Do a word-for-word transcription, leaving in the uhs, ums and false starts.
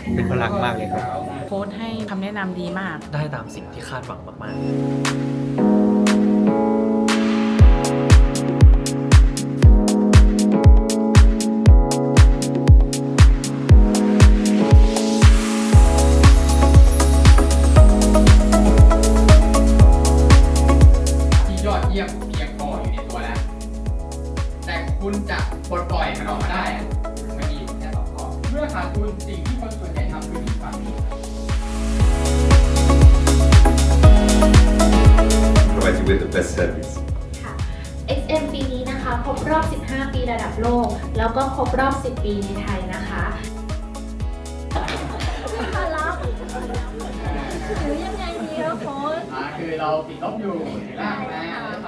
เป็นพลังมากเลยครับโค้ชให้คำแนะนำดีมากได้ตามสิ่งที่คาดหวังมากๆที่ยอดเยี่ยมเพียงพออยู่ในตัวแล้ว แต่คุณจะปลดปล่อยมันออกมาได้อะมันมีอยู่แค่สองข้อเมื่อขาดทุนสิ่งที่คนส่วนใหญ่ทำคือหนีความผิด provide you with the best service ค่ะ เอ็กซ์ เอ็ม ปีนี้นะคะครบรอบ สิบห้า ปีระดับโลก แล้วก็ครบรอบ สิบ ปีในไทยนะคะหรือยังไงดีคะโค้ชอ่าคือเราติดลบอยู่ในล่างนะ